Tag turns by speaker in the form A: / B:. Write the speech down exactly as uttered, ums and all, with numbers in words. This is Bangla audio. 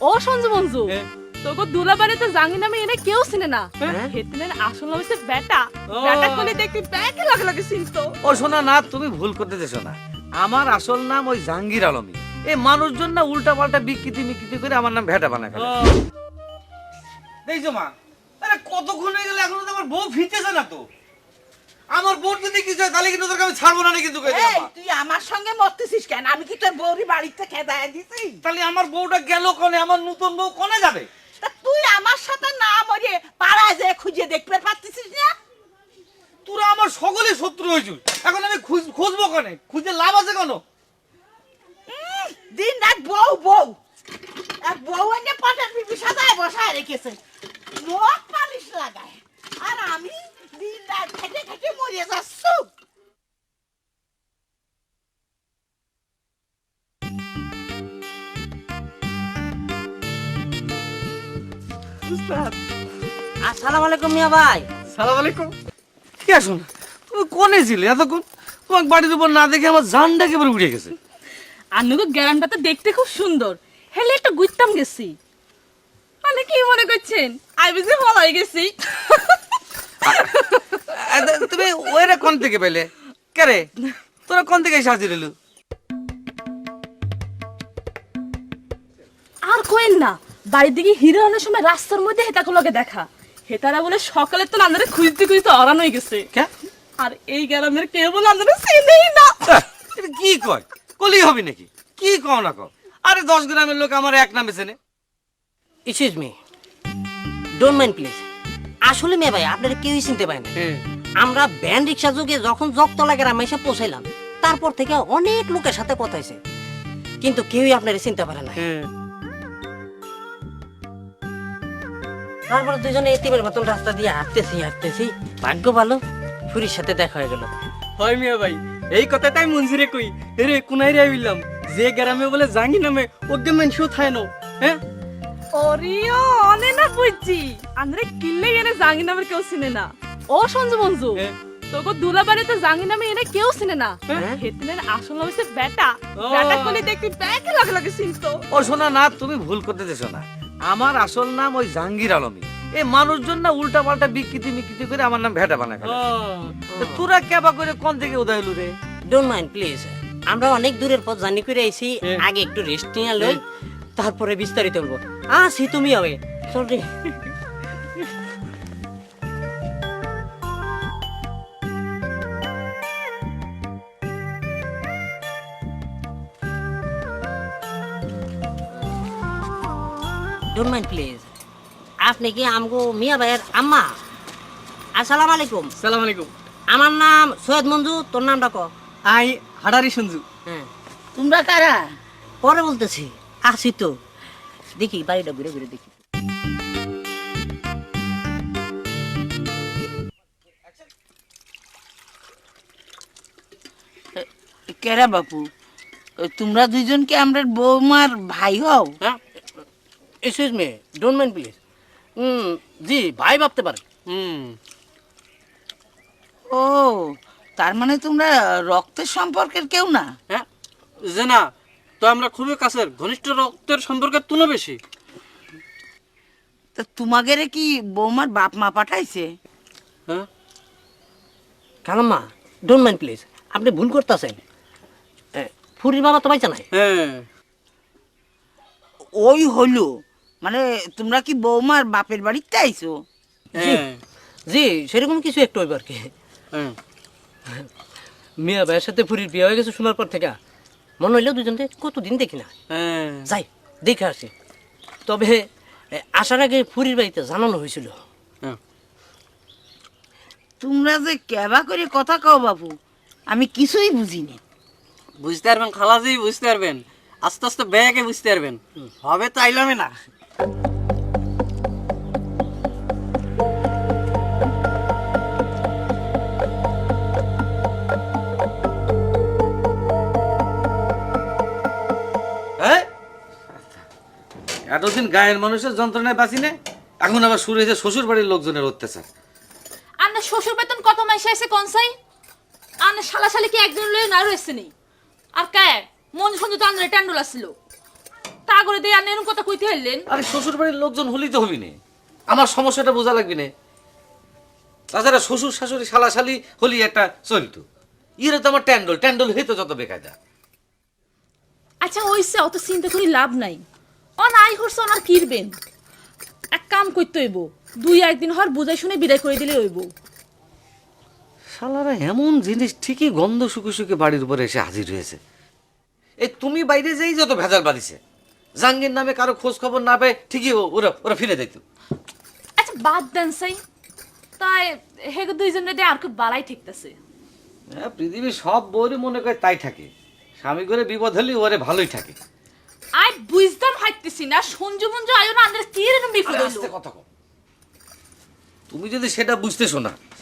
A: ও সঞ্জু মঞ্জু তোকে দুলাবারে তো জাঙ্গি নামে এনে কেউ চিনে না। হেতনের আসল নাম হচ্ছে বেটা। বেটা কোলে দেখি ব্যাকে লাগে লাগে চিনতো।
B: ও শোনা না, তুমি ভুল করতেছো না। আমার আসল নাম ওই জাহাঙ্গীর আলমী। এই মানুষজন না উল্টা পাল্টা বিকৃতি মিকৃতি করে আমার নাম ভেটা বানায় ফেলে। দেখছো মা, আরে কতক্ষণ হয়ে গেল এখনো তো আমার বউ ফিরতেছে না তো। আমার বউ যদি কিছু হয় তাহলে কিন্তু তোকে আমি ছাড়বো না কিন্তু কই দিলাম।
C: এই তুই আমার সঙ্গে মরতেছিস কেন? আমি কি তোর বউরি বাড়িতে খেদায় দিছি?
B: তাহলে আমার বউটা গেল কোনে? আমার নতুন বউ কোনে যাবে?
C: তা তুই আমার সাথে না মরে পাড়ায় যে খুঁজে দেখতে পারতেছিস না?
B: তোরা আমার সকলে শত্রু হয়েছিস, এখন আমি খুঁজবো কোনে? খুঁজে লাভ আছে কেন?
C: উম, দিন রাত বউ বউ এক বউ এনে পাটের পিপি সাজায় বসায় রেখেছে, নখ পালিশ লাগায়, আর আমি দিন রাত খেটে খেটে মরে যাচ্ছি।
D: আসসালামু আলাইকুম মিয়া ভাই।
B: সালাম আলাইকুম। ঠিক আছে, তুমি কোনে ছিলে এতক্ষণ? তোমার বাড়ির উপর না দেখে আমার জানটা একেবারে উড়ে গেছে।
A: আন্নুকে গ্যারান্টা তো দেখতে খুব সুন্দর, হেলে একটা গুইতাম গেছি। মানে কি মনে করছেন আই বুঝে ভালো হয়ে গেছি?
B: তুমি ওইরা কোন থেকে পেলে? কে রে তোরা কোন থেকে সাজিয়ে দিলু?
A: আর কোয়েন না, বাড়ির দিকে হিরো আনার সময় রাস্তার মধ্যে হেতাগুলোকে দেখা। হেতারা বলে সকালে তো নান্দারে খুঁজতে খুঁজতে অরান হয়ে গেছে। আর এই গ্রামের কেউ বলে নান্দারে চিনেই না।
B: এটা কি কয়? কলি হবি নাকি? কি কও না কও? আরে দশ গ্রামের লোক আমার এক নামে চেনে।
D: Excuse me, don't mind please. আসলে মেয়ে ভাই আপনারা কেউই চিনতে পারে না। আমরা ভ্যান রিক্সা যোগে যখন জগতলা গ্রামে এসে পৌঁছাইলাম, তারপর থেকে অনেক লোকের সাথে কথা হয়েছে, কিন্তু কেউই আপনারা চিনতে পারে না। তারপর দুজনে এতিমের মতন রাস্তা দিয়ে হাঁটতেছি হাঁটতেছি ভাগ্য ভালো ফুরির সাথে দেখা হয়ে গেল।
E: হয় মিয়া ভাই, এই কথাটাই মঞ্জুরে কই রে কোনাই রে হইলাম যে গ্রামে বলে জাঙ্গি নামে ওকে মেনশো থায় না। হ্যাঁ
A: ওরিও অনে না বুঝছি আন্দ্রে কিল্লে এনে জাঙ্গি নামের কেউ চিনে না। ও সঞ্জু মঞ্জু তোকে দুলাবারে তো জাঙ্গি নামে এনে কেউ চিনে না। হেতনের আসল নাম হচ্ছে বেটা। বেটা কোলে দেখি ব্যাকে লাগে লাগে চিনতো।
B: ও শোনা না, তুমি ভুল করতেছো না। আমার আসল নাম ওই জাহাঙ্গীর আলমী। এই মানুষজন না উল্টা পাল্টা বিকৃতি মিকৃতি করে আমার নাম ভেটা বানায় ফেলে। তোরা কেবা করে কোন থেকে উদয় হলু রে?
D: ডোন্ট মাইন্ড প্লিজ, আমরা অনেক দূরের পথ জার্নি করে আইছি, আগে একটু রেস্ট নিয়ে লই, তারপরে বিস্তারিত বলবো। আসি তুমি হবে সরি। ডোন্ট মাইন্ড প্লিজ, আপনি কি আমগো মিয়া ভাইয়ের আম্মা? আসসালামু আলাইকুম।
E: সালাম আলাইকুম।
D: আমার নাম সৈয়দ মঞ্জু, তোর নামটা ক?
E: আই হাডারি সঞ্জু।
D: হ্যাঁ
C: তোমরা কারা?
D: পরে বলতেছি, আসি তো, দেখি বাড়িটা ঘুরে ঘুরে দেখি।
C: কেরা বাপু, তোমরা দুইজন কি আমরা বৌমার ভাই হও?
D: হ্যাঁ excuse me, don't mind please. হুম জি, ভাই ভাবতে পারেন।
E: হুম
C: ও, তার মানে তোমরা রক্তের সম্পর্কের কেউ না?
E: হ্যাঁ যে না, তো আমরা খুবই কাছের ঘনিষ্ঠ রক্তের সম্পর্কের তুলনা বেশি।
C: তা তোমাদের কি বৌমার বাপ মা পাঠাইছে?
E: হ্যাঁ
D: কালাম্মা ডোন্ট মাইন্ড প্লিজ, আপনি ভুল করতেছেন। ফুরির বাবা তো পাইছে নাই।
E: হ্যাঁ
C: ওই হলো, মানে তোমরা কি বৌমার বাপের বাড়িতে আইছো?
E: হ্যাঁ
D: জি সেরকম কিছু একটু হইব আর কি।
E: হ্যাঁ
D: মিয়া ভাইয়ের সাথে ফুরির বিয়ে হয়ে গেছে শোনার পর থেকে মনে হইলেও দুজনকে কতদিন দেখি না।
E: হ্যাঁ
D: যাই দেখে আসি। তবে এ, আসার আগে ফুরির বাড়িতে জানানো হয়েছিল।
E: হ্যাঁ
C: তোমরা যে কেবা করে কথা কও বাবু, আমি কিছুই বুঝিনি।
E: বুঝতে পারবেন খালাজি, বুঝতে পারবেন, আস্তে আস্তে ব্যাগে বুঝতে পারবেন। হবে তো আইলামে না।
B: এতদিন গায়ের মানুষের যন্ত্রণায় বাঁচি না, এখন আবার শুরু হয়েছে শ্বশুর বাড়ির লোকজনের অত্যাচার।
A: আন্না শ্বশুর বেতন কত মাসে এসে কনসাই? আন্না শালা শালি কি একজন লয়ে না রয়েছে নি? আর কে মন সঞ্জু তো আন্দ্রে ট্যান্ডুল আসছিল। তা করে দেই আর এরকম কথা কইতে হইলেন?
B: আরে শ্বশুর বাড়ির লোকজন হলেই তো হবি না, আমার সমস্যাটা বোঝা লাগবে না। তাছাড়া শ্বশুর শাশুড়ি শালা শালি হলি একটা চলতো, ইরে তো আমার ট্যান্ডল ট্যান্ডল হইতো যত বেকায়দা।
A: আচ্ছা ওইসে অত চিন্তা করি লাভ নাই, অন আই করছে অনার কিরবেন। এক কাম করতে হইব, দুই একদিন হর বুঝাই শুনে বিদায় করে দিলে হইব।
B: শালারা এমন জিনিস ঠিকই গন্ধ শুকে শুকে বাড়ির উপরে এসে হাজির হয়েছে। এই তুমি বাইরে যেই যত ভেজাল বাঁধিছে, জাঙ্গির নামে কারো খোঁজ খবর না পেয়ে ঠিকই ও- ওরা ওরা ফিরে যাইতো।
A: আচ্ছা বাদ দেন সাই, তাই হেগে দুইজন রে আর কি বালাই ঠিকতেছে।
B: হ্যাঁ, পৃথিবীর সব বউরই মনে করে তাই থাকে, স্বামী করে বিপদ হলে ওরে ভালোই থাকে।
A: আই বুঝতাম হাইতেছি না, সঞ্জু মঞ্জু আয়ো না আন্দাজ কি এরকম বিপদ
B: আরে
A: হইলো।
B: আস্তে কথা কও। তুমি যদি সেটা বুঝতেছো না